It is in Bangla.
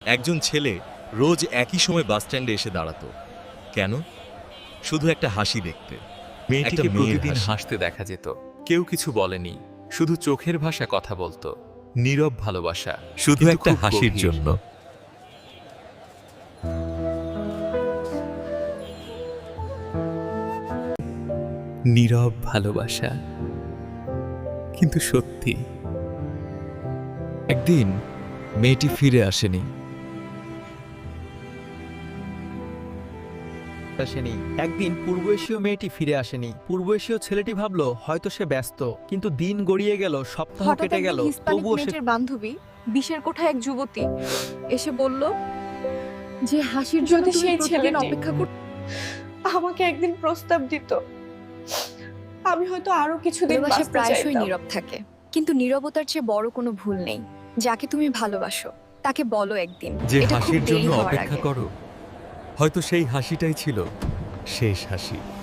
একজন ছেলে রোজ একই সময় বাস স্ট্যান্ডে এসে দাঁড়াতো। কেন? শুধু একটা হাসি দেখতে। মেয়েটিকে একটা মেয়ের প্রতিদিন হাসি। হাসতে দেখা যেত। কেউ কিছু বলেনি, শুধু চোখের ভাষা কথা বলতো। নীরব ভালোবাসা, শুধু কিন্তু একটা খুব হাসির গভীর। জন্য। নীরব ভালোবাসা, কিন্তু সত্যি। একদিন মেয়েটি ফিরে আসেনি। একদিন পূর্ব এশীয় মেয়েটি ফিরে আসেনি। পূর্ব এশীয় ছেলেটি ভাবলো হয়তো সে ব্যস্ত, কিন্তু দিন গড়িয়ে গেল, সপ্তাহ হঠাৎ কেটে গেল, একদিন হিস্পানিক তবুও সে মেয়েটির বান্ধবী বিশের কোঠায় এক যুবতী এসে বলল যে হাসির জন্য যদি তুমি সেই প্রতিদিন ছেলেটি অপেক্ষা করতে। আমাকে একদিন প্রস্তাব দিত, আমি হয়তো আরো কিছুদিন ভালোবাসা বাঁচতে প্রায়শই চাইতাম। নীরব থাকে, কিন্তু নীরবতার চেয়ে বড় কোনো ভুল নেই। যাকে তুমি ভালোবাসো তাকে বলো একদিন, যে এটা খুব হাসির দেরি জন্য হওয়ার অপেক্ষা আগে। করো, হয়তো সেই হাসিটাই ছিল শেষ হাসি।